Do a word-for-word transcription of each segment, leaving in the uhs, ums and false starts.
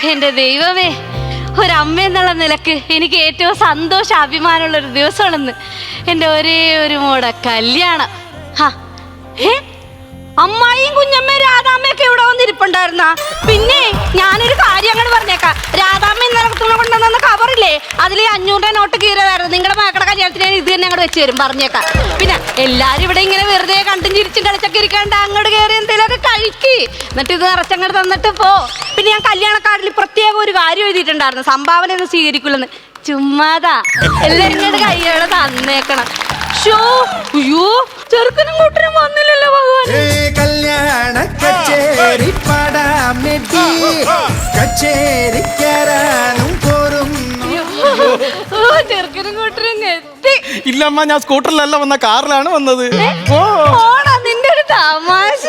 എന്റെ ദൈവമേ, ഒരമ്മ എന്നുള്ള നിലക്ക് എനിക്ക് ഏറ്റവും സന്തോഷം അഭിമാനമുള്ള ഒരു ദിവസമാണെന്ന്. എൻ്റെ ഒരേ ഒരു മോടെ കല്യാണം. ഹാ ഏ അമ്മായിയും കുഞ്ഞമ്മയും രാധാമ്മയൊക്കെ ഇവിടെ വന്നിരിപ്പുണ്ടായിരുന്ന. പിന്നെ ഞാനൊരു കാര്യം അങ്ങനെ പറഞ്ഞേക്കാം. രാധാമ്മ ഇന്നലെ കൊണ്ടുവന്ന കവറില്ലേ, അതിൽ അഞ്ഞൂറ് രൂപ നോട്ട് കീറിയതായിരുന്നു. നിങ്ങളുടെ മക്കളുടെ കല്യാണത്തിന് ഞാൻ ഇത് തന്നെ അങ്ങോട്ട് വെച്ച് തരും പറഞ്ഞേക്കാം. പിന്നെ എല്ലാരും ഇവിടെ ഇങ്ങനെ വെറുതെ കണ്ടും ചിരിച്ചും കളിച്ചൊക്കെ ഇരിക്കാണ്ട് അങ്ങോട്ട് കയറി എന്തെങ്കിലുമൊക്കെ കഴിക്കി, എന്നിട്ട് ഇത് നിറച്ചങ്ങോട്ട് തന്നിട്ട് പോ. പിന്നെ ഞാൻ കല്യാണ കാർഡിൽ പ്രത്യേകം ഒരു കാര്യം എഴുതിയിട്ടുണ്ടായിരുന്നു, സംഭാവന ഒന്നും സ്വീകരിക്കില്ലെന്ന്. ചുമ്മാതാ, എല്ലാരും ഇങ്ങോട്ട് കയ്യോടെ തന്നേക്കണം. അയ്യോ ചെറുക്കനും കൂട്ടരും വന്നില്ലല്ലോ ഭഗവാൻ. കല്യാണ കച്ചേരി പടാമെത്തി കച്ചേരിക്കാനും ചെറുക്കനും കൂട്ടരും എത്തി. ഇല്ലമ്മ, ഞാൻ സ്കൂട്ടറിലല്ല വന്ന, കാറിലാണ് വന്നത്. ഓടാ നിന്റെ ഒരു തമാശ.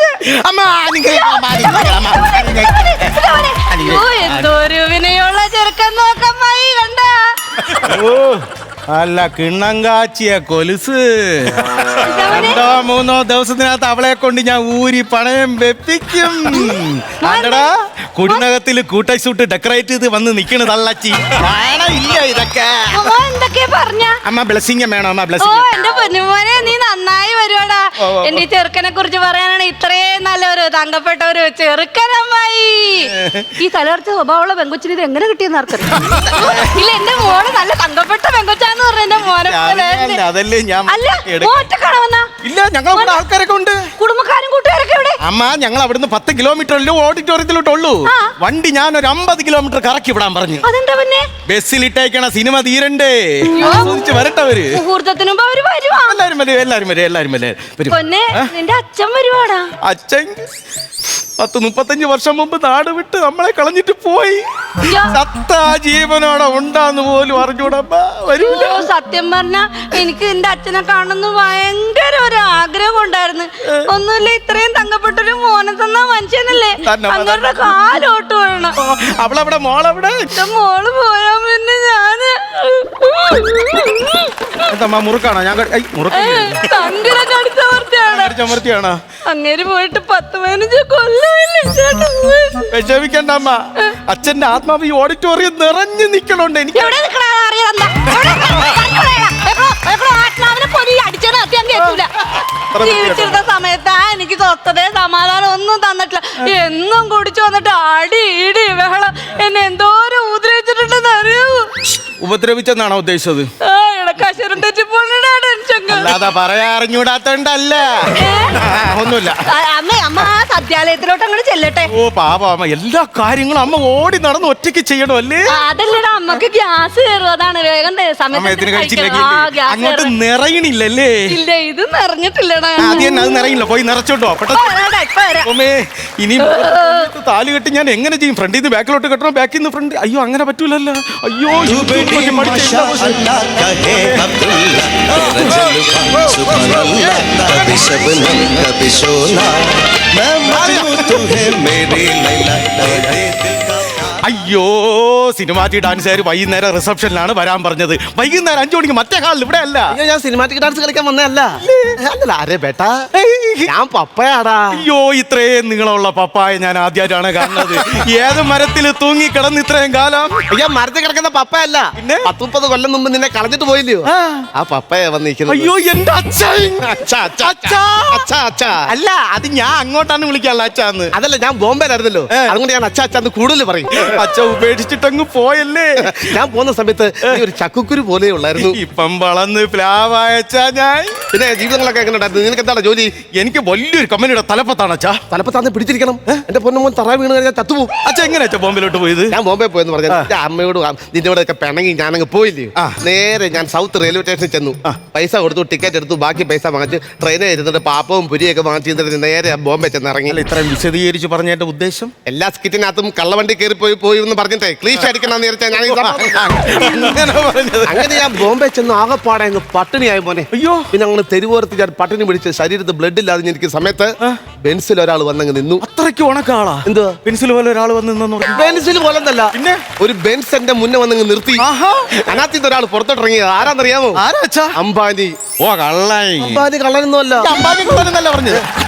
എന്തോ ഒരു വിനയുള്ള ചെറുക്കൻ നോക്കമ്മായി കണ്ട. ഓ അല്ല, കിണ്ണം കാച്ചിയ കൊലുസ്. രണ്ടോ മൂന്നോ ദിവസത്തിനകത്ത് അവളെ കൊണ്ട് ഞാൻ ഊരി പണയം വെപ്പിക്കും. അല്ലടാ, കുടിനകത്തില് കൂട്ടൈസൂട്ട് ഡെക്കറേറ്റ് ചെയ്ത് വന്ന് നിക്കണ് തള്ളച്ചി. ഇല്ല ഇതൊക്കെ എന്തൊക്കെ പറഞ്ഞ അമ്മ ബ്ലെസ്സിങ് വേണോ? അമ്മ ഓ ബ്ലെസ്സിങ്. എന്റെ പൊന്നുമോനെ, നീ നന്നായി വരുവാടാ. എന്റെ ഈ ചെറുക്കനെ കുറിച്ച് പറയാനാണ് ഇത്രയും നല്ലൊരു തങ്കപ്പെട്ട ഒരു ചെറുക്കനമ്മായി. ഈ തലർച്ച സ്വഭാവമുള്ള പെങ്കൊച്ചിന് ഇത് എങ്ങനെ കിട്ടിയെന്ന് ആർക്കറിയാം. ഇല്ല, എന്റെ മോള് നല്ല തങ്കപ്പെട്ട പെങ്കൊച്ചാന്ന് പറഞ്ഞ എന്റെ മോനെ. അതല്ലേ ഞാൻ. അല്ല, ഒറ്റക്കാണോ വന്നാ? ഇല്ല, ഞങ്ങൾ ആൾക്കാരൊക്കെ ഉണ്ട്. കുടുംബക്കാരും കൂട്ടുകാരൊക്കെ ഇവിടെ. അമ്മ, ഞങ്ങൾ അവിടുന്ന് പത്ത് കിലോമീറ്ററിലും ഓഡിറ്റോറിയത്തിലോട്ടുള്ളൂ. വണ്ടി ഞാൻ ഒരു അമ്പത് കിലോമീറ്റർ കറക്കി വിടാൻ പറഞ്ഞു. അതെന്താ പിന്നെ? ബസ്സിലിട്ടേക്കണ സിനിമ തീരണ്ടേ, ആസ്വദിച്ച് വരട്ടെ അവര്. മുഹൂർത്തത്തിന് മുമ്പ് അവര് വരുവാ. എല്ലാരും വരും, എല്ലാരും വരും, എല്ലാരും വരും. പൊന്നെ, നിന്റെ അച്ഛൻ വരുവാടാ. അച്ഛൻ പത്ത് മുപ്പത്തഞ്ച് വർഷം മുമ്പ് നാട് വിട്ട് നമ്മളെ കളഞ്ഞിട്ട് പോയി. സത്ത ജീവനോടെ ഉണ്ടാന്ന് പോലും അറിഞ്ഞൂടമ്മ. വരൂല. സത്യം പറഞ്ഞ എനിക്ക് എന്റെ അച്ഛനെ കാണുന്ന ഭയങ്കര ഒരു ആഗ്രഹം ഉണ്ടായിരുന്നു. ഒന്നുമില്ല, ഇത്രയും തങ്കപ്പെട്ടൊരു മോനെ തന്ന മനുഷ്യനല്ലേ, അങ്ങരുടെ കാലോട്ട് വേണം. അവളവിടെ, മോളവിടെ. മോള് പോയാ പിന്നെ ഞാന് എന്താ മുറുക്കാണോ? ഞാൻ തങ്കിനെ കടിച്ചമർത്തിയാണോ? അങ്ങേര് പോയിട്ട് പത്ത് പതിനഞ്ച് കൊല്ലം. വിഷമിക്കണ്ട അമ്മ, അച്ഛന്റെ ആത്മാവ് ഈ ഓഡിറ്റോറിയം നിറഞ്ഞു നിക്കണുണ്ട്. എനിക്ക് ജീവിച്ചിരുന്ന സമയത്ത് എനിക്ക് സ്വസ്ഥതയെ സമാധാനം ഒന്നും തന്നിട്ടില്ല. എന്നും കുടിച്ചു വന്നിട്ട് അടി ഇടി ബഹളം. എന്നെ എന്തോരം ഉപദ്രവിച്ചിട്ടുണ്ടെന്ന് അറിയാവൂ. ഉപദ്രവിച്ചെന്നാണോ ഉദ്ദേശിച്ചത്? അല്ലാതെ പറയാ അറിഞ്ഞൂടാത്തോണ്ടല്ല. ഒന്നുമില്ല അമ്മ. അമ്മ ആ സദ്യാലയത്തിലോട്ട് അങ്ങോട്ട് ചെല്ലട്ടെ. ഓ പാപ അമ്മ, എല്ലാ കാര്യങ്ങളും അമ്മ ഓടി നടന്ന് ഒറ്റയ്ക്ക് ചെയ്യണം അല്ലേ? അതല്ലടാ, അമ്മക്ക് ഗ്യാസ് കയറും, അതാണ് വേഗം സമയത്തിന് കഴിച്ചില്ലെങ്കിൽ അങ്ങോട്ട് നിറയണില്ലല്ലേ? ഇല്ല, ഇത് നിറഞ്ഞിട്ടില്ലടാ. ആദ്യം അത് നിറയില്ല, പോയി നിറച്ചോട്ടോ പെട്ടെന്ന്. ഇനി താലി കെട്ടി ഞാൻ എങ്ങനെ ചെയ്യും? ഫ്രണ്ടിൽ നിന്ന് ബാക്കിലോട്ട് കെട്ടണം, ബാക്കിൽ നിന്ന് ഫ്രണ്ട്. അയ്യോ, അങ്ങനെ പറ്റൂലല്ലോ. അയ്യോ, അയ്യോ, സിനിമാറ്റിക് ഡാൻസുകാർ വൈകുന്നേരം റിസപ്ഷനിലാണ് വരാൻ പറഞ്ഞത്. വൈകുന്നേരം അഞ്ചു മണിക്ക് മറ്റേ ഹാളിൽ. ഇവിടെ അല്ല. ഞാൻ സിനിമാറ്റിക് ഡാൻസ് കളിക്കാൻ വന്നതല്ല. അല്ലല്ല, അരേ ബേട്ടാ, ഞാൻ പപ്പയാടാ. അയ്യോ, ഇത്രയും നീളമുള്ള പപ്പായ ഞാൻ ആദ്യമായിട്ടാണ് കാണുന്നത്. ഏത് മരത്തിൽ തൂങ്ങി കിടന്ന് ഇത്രയും കാലം? അയ്യോ, മരത്തിൽ കിടക്കുന്ന പപ്പയല്ല, പിന്നെ പത്ത് മുപ്പത് കൊല്ലം മുമ്പ് നിന്നെ കളഞ്ഞിട്ട് പോയില്ലയോ, ആ പപ്പയ വന്നിരിക്കുന്നത്. അയ്യോ, എന്റെ അച്ഛൻ. അച്ഛാ അല്ല, അത് ഞാൻ അങ്ങോട്ടാണ് വിളിക്കാനുള്ള അച്ഛാന്ന്. അതല്ല, ഞാൻ ബോംബെയിലായിരുന്നല്ലോ, അതുകൊണ്ട് ഞാൻ അച്ഛാ അച്ഛാന്ന് കൂടുതൽ പറയും. അച്ഛ ഉപേക്ഷിച്ചിട്ടങ്ങ് പോയല്ലേ? ഞാൻ പോകുന്ന സമയത്ത് ഒരു ചക്കുക്കുരു പോലെ ഉള്ളായിരുന്നു. ഇപ്പം വളർന്ന് പ്ലാവായ ഞാൻ. പിന്നെ ജീവിതങ്ങളൊക്കെ എങ്ങനെ ഉണ്ടായിരുന്നു? നിനക്ക് എന്താണ് ജോലി? എനിക്ക് വലിയൊരു കമ്പനിയുടെ തലപ്പത്താണ് അച്ഛാ. തലപ്പത്താന്ന് പിടിച്ചിരിക്കണം. എന്റെ പൊന്നുമോൻ തറ വീണ് കഴിഞ്ഞാൽ ചത്തുപോകും. അച്ഛ എങ്ങനെ അച്ഛാ ബോംബെയിലോട്ട് പോയത്? ഞാൻ ബോംബെ പോയെന്ന് പറഞ്ഞാൽ എന്റെ അമ്മയോട് നിന്റെ കൂടെ ഒക്കെ പിണങ്ങി ഞാനങ്ങ് പോയില്ലേ. നേരെ ഞാൻ സൗത്ത് റെയിൽവേ സ്റ്റേഷനിൽ ചെന്നു, പൈസ കൊടുത്തു, ടിക്കറ്റ് എടുത്തു, ബാക്കി പൈസ വാങ്ങിച്ച് ട്രെയിനിൽ ഇരുന്നിട്ട് പാപ്പവും പുരിയൊക്കെ വാങ്ങിച്ചിട്ട് നേരെ ബോംബെ ചെന്ന് ഇറങ്ങി. ഇത്രയും വിശദീകരിച്ച് പറഞ്ഞതിന്റെ ഉദ്ദേശം? എല്ലാ സ്കിറ്റിനകത്തും കള്ളവണ്ടി കയറി പോയി പോയി എന്ന് പറഞ്ഞിട്ടേ ക്ലീഷ് അടിക്കണം ഞാൻ. അങ്ങനെ ഞാൻ ബോംബെ ചെന്ന് ആകെപ്പാടെ അങ്ങ് പട്ടിണിയായി പോനെ. അയ്യോ, പിന്നെ അങ്ങനെ തെരുവോരത്ത് ഞാൻ പട്ടിണി പിടിച്ച് ശരീരത്ത് ബ്ലഡ് ഇല്ലാതെ എനിക്ക് സമയത്ത് ബെൻസിൽ ഒരാൾ വന്നങ്ങ് നിന്നു. അത്രയ്ക്ക് ഉണക്കാളാ? എന്തുവാ പെൻസിൽ പോലെ ഒരാൾ വന്ന്? ബെൻസിൽ പോലെന്നല്ല, പിന്നെ ഒരു ബെൻസ് എന്റെ മുന്നേ വന്നങ്ങ് നിർത്തി. അതിനകത്ത് ഒരാൾ പുറത്തോട്ടിറങ്ങിയത് ആരാന്നറിയാമോ? ആരാ? അംബാനി. ഓ കള്ളൻ. അംബാനി കള്ളനൊന്നും അല്ല. അംബാനി കള്ളനെന്നല്ല പറഞ്ഞത്.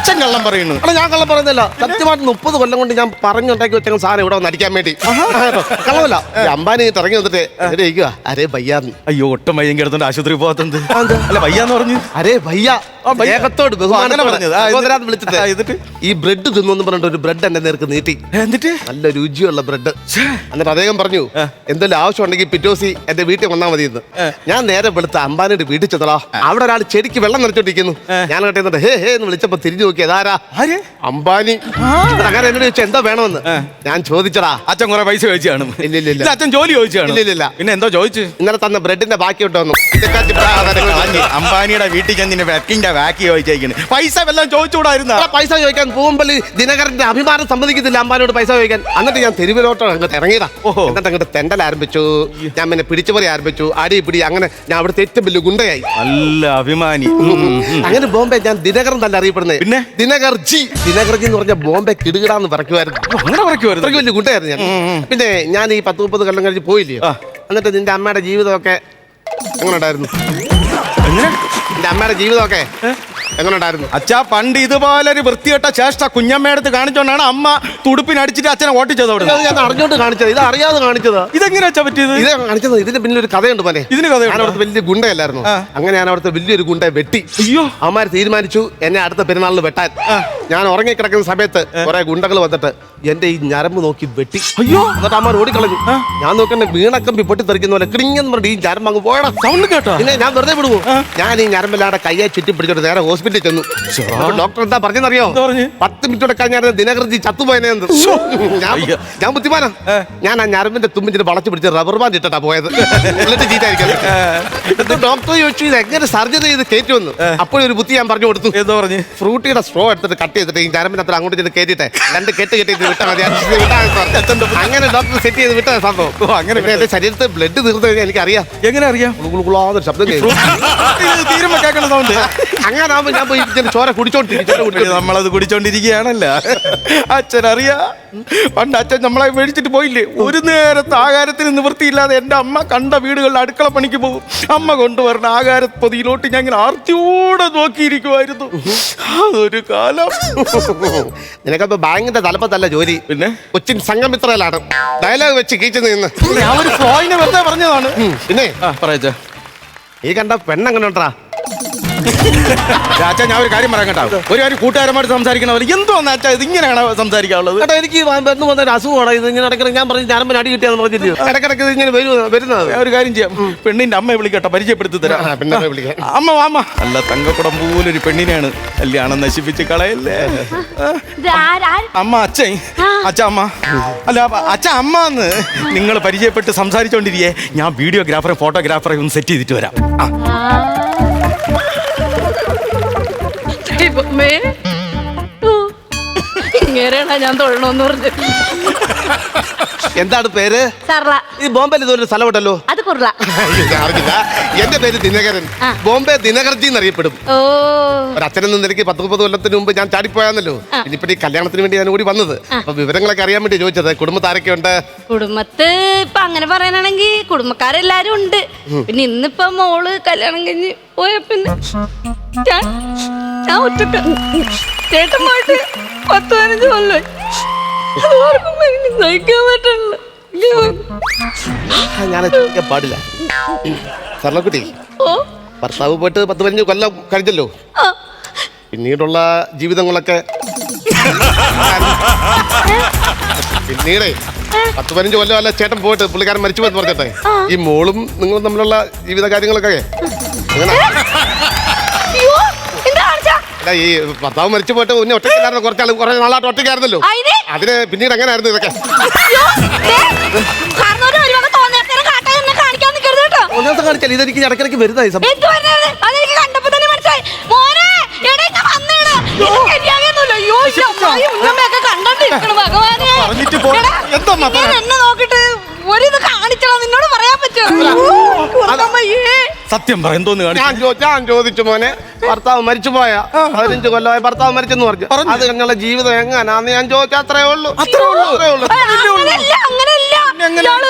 അച്ഛൻ കള്ളം പറയുന്നു. അല്ല ഞാൻ കള്ളം പറയുന്നില്ല, സത്യമായിട്ട് മുപ്പത് കൊല്ലം കൊണ്ട് ഞാൻ പറഞ്ഞുണ്ടാക്കി വെച്ച സാധനം ഇവിടെ വന്ന് അടിക്കാൻ വേണ്ടി. കള്ളമല്ല. ഈ അംബാനി ഇറങ്ങി വന്നിട്ട് എവിടെ ഇരിക്കുക, അരേ ഭയ്യാന്ന്. അയ്യോ ഒട്ടും വയ്യെങ്കിൽ എടുത്തോണ്ട് ആശുപത്രി പോകാത്തത്. അല്ല വയ്യാന്ന് പറഞ്ഞു. അരേ ഭയ്യ ഏകത്തോട് അങ്ങനെ പറഞ്ഞത്. ആ, എന്നിട്ട്? വിളിച്ചിട്ട് ആ, എന്നിട്ട് ഈ ബ്രെഡ് തിന്നു പറഞ്ഞിട്ട് ഒരു ബ്രെഡ് എന്റെ നേർക്ക് നീട്ടി. എന്നിട്ട് നല്ല രുചിയുള്ള ബ്രെഡ്. എന്നിട്ട് അദ്ദേഹം പറഞ്ഞു എന്തെങ്കിലും ആവശ്യം ഉണ്ടെങ്കിൽ പിറ്റോസി എന്റെ വീട്ടിൽ വന്നാൽ മതി എന്ന്. ഞാൻ നേരെ വെളുത്ത അംബാനിയുടെ വീട്ടിൽ ചെന്നടാ. അവിടെ ഒരാൾ ചെടിക്ക് വെള്ളം നിറച്ചോണ്ടിരിക്കുന്നു. ഞാൻ കേട്ടെ ഹേ ഹേ എന്ന് വിളിച്ചപ്പോ തിരിഞ്ഞു നോക്കി അതാരാ? അംബാനി. അങ്ങനെ എന്നോട് ചോദിച്ചാൽ എന്താ വേണമെന്ന് ഞാൻ ചോദിച്ചടാ. അച്ഛൻ കുറെ പൈസ ചോദിച്ചാണ്. ഇല്ല ഇല്ല ഇല്ല. അച്ഛൻ ജോലി ചോദിച്ചാണ്. ഇല്ല ഇല്ല. പിന്നെ എന്തോ ചോദിച്ചു? ഇന്നലെ തന്ന ബ്രെഡിന്റെ ബാക്കി ഇട്ടോന്നു. അംബാനിയുടെ വീട്ടിൽ ചെന്ന് വെക്കിന്റെ ബാക്കി ചോദിച്ചേക്കുന്നു. പൈസ വല്ലതും ചോദിച്ചുകൂടായിരുന്ന? പൈസ ചോദിക്കാൻ പോകുമ്പോൾ ദിനകരന്റെ അഭിമാനം സമ്മതിക്കത്തില്ല അംബാനിയോട് പൈസ ചോദിക്കാൻ. എന്നിട്ട് ഞാൻ തെരുവിലോട്ടോ അങ്ങോട്ട് ഇറങ്ങിയതാ. എന്നിട്ട് അങ്ങോട്ട് തെണ്ടൽ ആരംഭിച്ചു. ഞാൻ പിന്നെ പിടിച്ചുപറി ആരംഭിച്ചു. അടി പിടി അങ്ങനെ ഞാൻ അവിടുത്തെ ഏറ്റവും വലിയ ഗുണ്ടയായി. നല്ല അഭിമാനി. അങ്ങനെ ബോംബെ ഞാൻ ദിനകരൻ തന്നെ അറിയപ്പെടുന്നത്. പിന്നെ ദിനകർ ജി. ദിനകർ ജി എന്ന് പറഞ്ഞ ബോംബെ കിടുകിടാന്ന് പറക്കുമായിരുന്നു. അങ്ങനെ പറക്കുമായിരുന്നു. അത്രയ്ക്ക് വലിയ ഗുണ്ടയായിരുന്നു ഞാൻ. പിന്നെ ഞാൻ ഈ പത്ത് മുപ്പത് കൊല്ലം കഴിഞ്ഞ് പോയില്ലയോ. എന്നിട്ട് നിന്റെ അമ്മയുടെ ജീവിതമൊക്കെ എങ്ങനെ ഉണ്ടായിരുന്നു? എങ്ങനെ നിന്റെ അമ്മയുടെ ജീവിതമൊക്കെ എങ്ങനെ ഉണ്ടായിരുന്നു? അച്ഛാ പണ്ട് ഇതുപോലെ ഒരു വൃത്തികെട്ട ചേഷ്ട കുഞ്ഞമ്മയെടുത്ത് കാണിച്ചോണ്ടാണ് അമ്മ തുടുപ്പിനടിച്ചിട്ട് അച്ഛനെ ഓട്ടിച്ചത് അവിടെ. ഇത് ഞാൻ അറിഞ്ഞോണ്ട് കാണിച്ചത്, ഇത് അറിയാതെ കാണിച്ചത്. ഇതെങ്ങനെ വെച്ചാ പറ്റിയത്? ഇത് കാണിച്ചത് ഇതിന് പിന്നെ ഒരു കഥയുണ്ട് പോലെ. ഇതിന് കഥ ഞാൻ അവിടുത്തെ വലിയ ഗുണ്ടയല്ലായിരുന്നു. അങ്ങനെ ഞാൻ അവിടുത്തെ വലിയൊരു ഗുണ്ടയെ വെട്ടി. അയ്യോ. അവന്മാർ തീരുമാനിച്ചു എന്നെ അടുത്ത പെരുന്നാളിന് വെട്ടാൻ. ഞാൻ ഉറങ്ങിക്കിടക്കുന്ന സമയത്ത് കുറെ ഗുണ്ടകൾ വന്നിട്ട് എന്റെ ഈ ഞരമ്പ് നോക്കി വെട്ടി. അയ്യോ. എന്നിട്ട് അമ്മ ഓടിക്കളഞ്ഞു. ഞാൻ നോക്കണ്ട വീണക്കമ്പി പൊട്ടി തെറിക്കുന്ന പോലെ കിടിങ്ങെന്ന് പറഞ്ഞിട്ട് ഈ ഞരമ്പ് അങ്ങ് പോയടാ. സൗണ്ട് കേട്ടോ? പിന്നെ ഞാൻ വെറുതെ വിടുവോ? ഞാൻ ഈ ഞരമ്പില്ലാടെ കയ്യെ ചുറ്റി പിടിച്ചോട്ട് നേരെ ഹോസ്പിറ്റലിൽ ചെന്നു. ഡോക്ടർ എന്താ പറഞ്ഞറിയോ? പത്ത് മിനിറ്റോടെ കഴിഞ്ഞാൽ ദിനകർജി ചത്തുപോയെന്ന്. ഞാൻ ബുദ്ധിമാനാ. ഞാൻ ആ ഞരമ്പിന്റെ തുമ്പിന്റെ വളച്ചു പിടിച്ച് റബ്ബർ ബാൻഡ് ഇട്ടാ പോയത്. ഡോക്ടർ ചോദിച്ചു ഇത് എങ്ങനെ സർജറി ചെയ്ത് കയറ്റുമെന്ന്. അപ്പോഴൊരു ബുദ്ധി ഞാൻ പറഞ്ഞു കൊടുത്തു. എന്താ പറഞ്ഞു? ഫ്രൂട്ടിയുടെ സ്ട്രോ എടുത്തിട്ട് കട്ട് ചെയ്തിട്ട് ഈ ഞരമ്പിനത്ര അങ്ങോട്ട് ചെയ്ത് കയറ്റിട്ടെ രണ്ട് കെട്ട് കെട്ടിട്ട് വിട്ടാൽ മതി. അങ്ങനെ ഡോക്ടർ സെറ്റ് ചെയ്ത് വിട്ട സംഭവം. അങ്ങനെ എന്റെ ശരീരത്തിൽ ബ്ലഡ് തീർന്നു കഴിഞ്ഞാൽ എനിക്കറിയാം. എങ്ങനെ അറിയാം? ശബ്ദം തീരുമ്പോ കേൾക്കണ സൗണ്ട്. അങ്ങനെ ആവുമ്പോ ഞാൻ പോയി ചോര കുടിച്ചോണ്ടിരിക്കും. നമ്മളത് കുടിച്ചോണ്ടിരിക്കുകയാണല്ല. അച്ഛൻ അറിയാ പണ്ട് അച്ഛൻ നമ്മളെ മേടിച്ചിട്ട് പോയില്ലേ? ഒരു നേരത്തെ ആഹാരത്തിന് നിവൃത്തിയില്ലാതെ എന്റെ അമ്മ കണ്ട വീടുകളിൽ അടുക്കള പണിക്ക് പോകും. അമ്മ കൊണ്ടുവരണ ആഹാരപ്പൊതിയിലോട്ട് ഞാൻ ഇങ്ങനെ ആർത്തിയോടെ നോക്കിയിരിക്കുമായിരുന്നു. അതൊരു കാലം. നിനക്കപ്പോ ബാങ്കിന്റെ തലപ്പത്തല്ല ജോലി, പിന്നെ കൊച്ചിൻ സംഘമിത്രയിലാണ് ഡയലോഗ് വെച്ച് കീച്ചു നിന്ന്. ഞാൻ ഒരു ഫ്ലോയിനെ വെറുതെ പറഞ്ഞതാണ്. പിന്നെ പറയാ ഈ കണ്ട പെണ്ണെങ്ങനെ ഉണ്ടാ? അച്ഛാ ഞാൻ ഒരു കാര്യം പറയാൻ കേട്ടോ. ഒരു കാര്യം കൂട്ടുകാരന്മാർ സംസാരിക്കണവർ എന്തോന്ന് അച്ഛാ ഇത് ഇങ്ങനെയാണ് സംസാരിക്കാനുള്ളത്? കേട്ടോ എനിക്ക് പെണ്ണ് വന്ന ഒരു അസുഖമാണ് ഇത്. ഇങ്ങനെ ഇടയ്ക്കിടയ്ക്ക് ഞാൻ പറഞ്ഞു ഞാനും അടി കിട്ടിയാന്ന് പറഞ്ഞില്ലയോ? ഇടയ്ക്കിടയ്ക്ക് ഇങ്ങനെ വരുന്നത്. ഒരു കാര്യം ചെയ്യാം, പെണ്ണിന്റെ അമ്മയെ വിളിക്കട്ടെ, പരിചയപ്പെടുത്തി തരാം. പിന്നെ വിളിക്കാം. അമ്മ വാമ്മ. അല്ല തങ്കക്കുടം പോലൊരു പെണ്ണിനെയാണ് കല്യാണം നശിപ്പിച്ച് കളയല്ലേ അമ്മ. അച്ഛൻ അച്ഛ അമ്മ അല്ല അച്ഛ അമ്മ എന്ന് നിങ്ങൾ പരിചയപ്പെട്ട് സംസാരിച്ചോണ്ടിരിക്കേ ഞാൻ വീഡിയോഗ്രാഫറെ ഫോട്ടോഗ്രാഫറെ ഒന്ന് സെറ്റ് ചെയ്തിട്ട് വരാം. ഇങ്ങനെയാണോ ഞാൻ തൊഴണമെന്ന് പറഞ്ഞു? എന്താണ് പേര്? സർള. ഈ ബോംബെയിൽ ഇതൊരു സ്ഥലമുണ്ടല്ലോ. അത് കുർള. അറിയില്ല. എന്റെ പേര് ദിനകരൻ. ബോംബെ ദിനകർജി എന്നറിയപ്പെടും. ഓ ഒരു അച്ഛനെന്ന നിലയ്ക്ക് പത്ത് മുപ്പത് കൊല്ലത്തിന് മുമ്പ് ഞാൻ ചാടിപ്പോയാന്നല്ലോ. ഇനിയിപ്പോ ഈ കല്യാണത്തിന് വേണ്ടി ഞാൻ കൂടി വന്നത്. അപ്പൊ വിവരങ്ങളൊക്കെ അറിയാൻ വേണ്ടി ചോദിച്ചത്. കുടുംബത്താരൊക്കെ ഉണ്ട്? കുടുംബത്ത് ഇപ്പൊ അങ്ങനെ പറയാനാണെങ്കിൽ കുടുംബക്കാരെല്ലാരും ഉണ്ട്. പിന്നെ ഇന്നിപ്പോ മോള് കല്യാണം കഴിഞ്ഞ് പോയ പിന്നെ ഞാൻ ഞാൻ ഒറ്റ ചേട്ടൻ പോയിട്ട് പത്ത് പതിനഞ്ച് കൊല്ലം സഹിക്കാൻ പറ്റില്ല. ഞാൻ ചോദിക്കാൻ പാടില്ല. സർലക്കുട്ടി, ഭർത്താവ് പോയിട്ട് പത്ത് പതിനഞ്ച് കൊല്ലം കഴിഞ്ഞല്ലോ. പിന്നീടുള്ള ജീവിതങ്ങളൊക്കെ പിന്നീടേ പത്ത് പതിനഞ്ച് കൊല്ലം അല്ല ചേട്ടൻ പോയിട്ട് പുള്ളിക്കാരൻ മരിച്ചു പോയെന്ന് പറഞ്ഞിട്ടെ ഈ മോളും നിങ്ങളും തമ്മിലുള്ള ജീവിത കാര്യങ്ങളൊക്കെ അങ്ങനെ അല്ല ഈ ഭർത്താവ് മരിച്ചു പോയിട്ട് പിന്നെ ഒറ്റയ്ക്കായിരുന്നു. കുറച്ചാൾ കുറെ നാളായിട്ട് ഒറ്റയ്ക്കായിരുന്നല്ലോ. അതിന് പിന്നീട് എങ്ങനെയായിരുന്നു ഇതൊക്കെ? കാണിച്ചാൽ ഇതെനിക്ക് ഇടയ്ക്കിടയ്ക്ക് വരുന്നതായി സത്യം പറ എന്തോന്ന് ഞാൻ ചോദിച്ചു മോനെ ഭർത്താവ് മരിച്ചു പോയ പതിനഞ്ച് കൊല്ലമായി ഭർത്താവ് മരിച്ചെന്ന് പറഞ്ഞു. അത് കഴിഞ്ഞുള്ള ജീവിതം എങ്ങനാന്ന് ഞാൻ ചോദിച്ചാൽ അത്രേ ഉള്ളൂ. അത്രേ ഉള്ളൂ അത്രേ ഉള്ളൂ.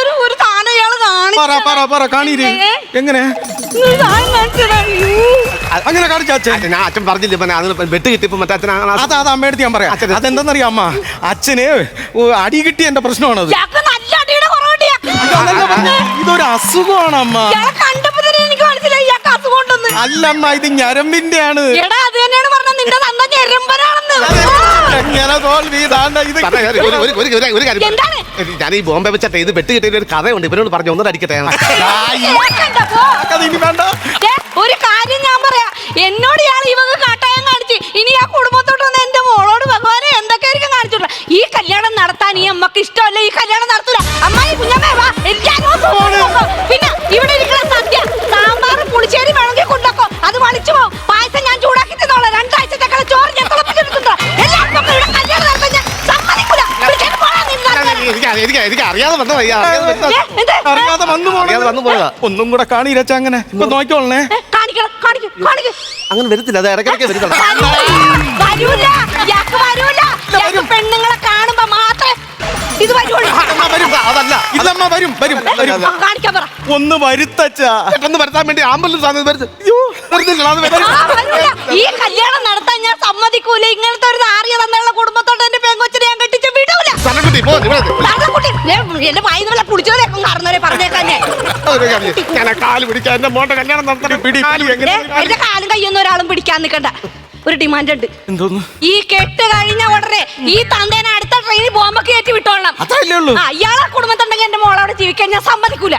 എങ്ങനെ അങ്ങനെ കാണിച്ച അച്ഛൻ ഞാൻ അച്ഛൻ പറഞ്ഞില്ല പിന്നെ അതിന് വെട്ട് കിട്ടിയപ്പോ മറ്റേ അച്ഛൻ അങ്ങനെ അതാ അത് അമ്മയെടുത്ത് ഞാൻ പറയാം അച്ഛനെ- അതെന്തെന്നറിയാം അമ്മ അച്ഛന് ഓ, അടി കിട്ടിയ എന്റെ പ്രശ്നമാണത് ഇയാൾക്ക് നല്ല അടിയുടെ കുറവുണ്ട് ഇയാൾക്ക്. അതല്ല പറഞ്ഞെ, ഇതൊരു അസുഖമാണ് അമ്മ ഇയാളെ കണ്ടപ്പോ തന്നെ എനിക്ക് മനസ്സിലായി ഇയാൾക്ക് അസുഖം ഉണ്ടെന്ന്. അല്ലമ്മ ഇത് ഞരമ്പിന്റെ ആണ് എടാ അത് തന്നെയാണ് പറഞ്ഞത് നിന്റെ തന്ന ഞെരമ്പനാണെന്ന്. എങ്ങനെ തോൽവി ഇതാണ്ട ഇത് സാറേ, ഒരു- ഒരു- ഒരു- ഒരു- ഒരു- ഒരു കാര്യം എന്താണ്? ഞാൻ ഈ ബോംബെ വെച്ചിട്ട് ഇത് വെട്ട് കിട്ടിയ ഒരു കഥയുണ്ട് ഇവരോട് പറഞ്ഞു ഒന്നും അടിക്കട്ടെ കേക്കണ്ട, പോ. അത് ഇനി വേണ്ട ദേ, ഒരു കാര്യം ഞാൻ പറയാ എന്നോട് ഇയാൾ ഇവക്ക് കാട്ടായം കാണിച്ച് ഇനി ആ കുടുംബത്തോട്ട് വന്ന് എന്റെ മോളോട് ഭഗവാനെ എന്തൊക്കെയായിരിക്കും കാണിച്ചിട്ടുള്ള ഈ കല്യാണം നടത്താൻ ഈ അമ്മക്ക് ഇഷ്ടമല്ല ഈ കല്യാണം നടത്തൂല അമ്മായി കുഞ്ഞമ്മേ വാ എനിക്ക് അനുഭവം കൊണ്ടുവെക്കോ. പിന്നെ ഇവിടെ ഇരിക്കുന്ന സദ്യ സാമ്പാർ പുളിശ്ശേരി വേണമെങ്കിൽ കൊണ്ടുവെക്കോ അത് വളിച്ചു പോകും പായസം ഞാൻ ചൂടാക്കി തിന്നോളാം രണ്ടാഴ്ചത്തേക്കുള്ള ചോറ് ഞാൻ തിളപ്പിച്ചെടുത്തിട്ടോ എല്ലാവർക്കും ഇവിടെ കല്യാണം നടത്താൻ ഞാൻ സമ്മതിക്കൂല വിളിക്കാൻ പോടാ നിന്നെ നടത്താൻ. എനിക്ക് എനിക്ക് എനിക്ക് അറിയാതെ വന്നു ഏ, എന്ത്? അറിയാതെ വന്നു അറിയാതെ വന്നു പോണത് പോയതാ. ഒന്നും കൂടെ കാണീരച്ച അങ്ങനെ ഇപ്പൊ നോക്കിക്കോളണേ ഏ, കാണിക്കണം കാണിക്കും കാണിക്കും അങ്ങനെ വരത്തില്ല അത് ഇടയ്ക്കിടയ്ക്ക് വരുന്നുള്ളൂ വരൂല ഇയാൾക്ക് വരൂല ഇയാൾക്ക് പെണ്ണുങ്ങളെ കാണുമ്പോ മാത്രമേ ഇത് വരുള്ളൂ അമ്മ വരും അതല്ല ഇതമ്മ വരും വരും വരും ആ, കാണിക്കാൻ പറ ഒന്ന് വരുത്തച്ചാ പെട്ടെന്ന് വരുത്താൻ വേണ്ടി ആംബുലൻസ് ആണ് വരുന്നത് വരുന്നില്ല അത് വരുന്നില്ല. ആ, വരൂല. ഈ കല്യാണം നടത്താൻ ഞാൻ സമ്മതിക്കൂല ഇങ്ങനത്തെ ഒരു നാറിയ തന്നുള്ള കുടുംബത്തോട്ട് എന്റെ പെങ്കൊച്ചിനെ ഞാൻ കെട്ടിച്ച് വിടൂല സനക്കുട്ടി, പോ, ഇവിടെ വരൂ. തള്ളക്കുട്ടി, ദേ, എന്റെ വായി നമ്മളെ പുളിച്ചോരേക്കും കാരണവരെ പറഞ്ഞേക്കാന്നെ ഒരു കാര്യം ചെയ്യ്. ഞാൻ ആ കാല് പിടിക്കാൻ എന്റെ മോന്റെ കല്യാണം നടത്തണം. പിടി, കാല് പിടി, എങ്ങനെ- ദേ, എന്റെ കാലും കയ്യൊന്നും ഒരാളും പിടിക്കാൻ നിൽക്കണ്ട ഒരു ഡിമാൻഡ് ഉണ്ട് എന്തോന്ന് ഈ കെട്ട് കഴിഞ്ഞ ഉടനെ ഈ തന്തേനെ അടുത്ത ട്രെയിനിൽ ബോംബൊക്കെ കയറ്റി വിട്ടോളണം അതല്ലേ ഉള്ളൂ ആ ഇയാളെ കുടുംബത്തുണ്ടെങ്കിൽ എന്റെ മോളവിടെ ജീവിക്കാൻ ഞാൻ സമ്മതിക്കൂല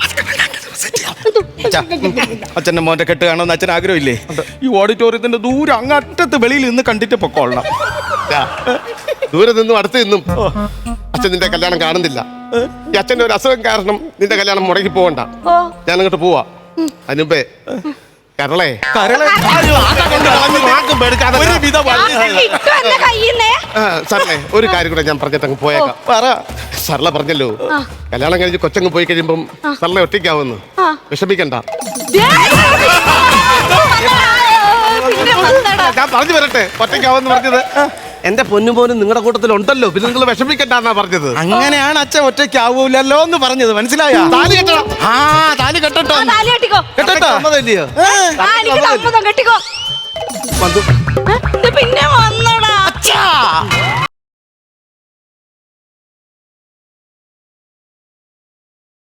അച്ഛാ, അച്ഛന്റെ മോന്റെ കെട്ട് കാണുമെന്ന് അച്ഛൻ ആഗ്രഹമില്ലേ ഈ ഓഡിറ്റോറിയത്തിന്റെ ദൂരം അങ്ങറ്റത്ത് വെളിയിൽ നിന്ന് കണ്ടിട്ട് പൊക്കോളണം ദാ, ദൂരെ നിന്നും അടുത്ത് നിന്നും അച്ഛൻ നിന്റെ കല്യാണം കാണുന്നില്ല ഈ അച്ഛന്റെ ഒരു അസുഖം കാരണം നിന്റെ കല്യാണം മുടക്കി പോകണ്ട ഓ ഞാൻ അങ്ങോട്ട് പോവാ അതിനുമ്പേ കരളെ കരളെ അയ്യോ, ആകെ കൊണ്ട് കളഞ്ഞു. വാക്കും പേടിക്കാതെ ഒരുവിധ വഴി. കിട്ടും എന്റെ കയ്യിന്നേ സാറേ ഒരു കാര്യം കൂടെ ഞാൻ പറഞ്ഞിട്ട് അങ്ങ് പോയേക്കാം പറ സർല പറഞ്ഞല്ലോ കല്യാണം കഴിഞ്ഞ് കൊച്ചങ്ങ് പോയി കഴിയുമ്പം സർല ഒറ്റയ്ക്കാവുന്നു ആ. വിഷമിക്കണ്ട ദേ, പിന്നെ വന്നെടാ. ഞാൻ പറഞ്ഞു വരട്ടെ ഒറ്റയ്ക്കാവെന്ന് പറഞ്ഞത് എന്റെ പൊന്നും പോലും നിങ്ങളുടെ കൂട്ടത്തിൽ ഉണ്ടല്ലോ പിന്നെ നിങ്ങൾ വിഷമിക്കണ്ടെന്നാ പറഞ്ഞത് അങ്ങനെയാണ് അച്ഛൻ ഒറ്റയ്ക്ക് ആവൂലല്ലോ എന്ന് പറഞ്ഞത് മനസ്സിലായ താലി കെട്ടണം ആ താലി കെട്ടട്ടോ ആ, താലി കെട്ടിക്കോ കെട്ടട്ടോ സമ്മതമില്ലയോ? ഏ, ആ, എനിക്ക് സമ്മതം കെട്ടിക്കോ വന്നു. ഏ, ഇത് പിന്നെ വന്നടാ അച്ഛാ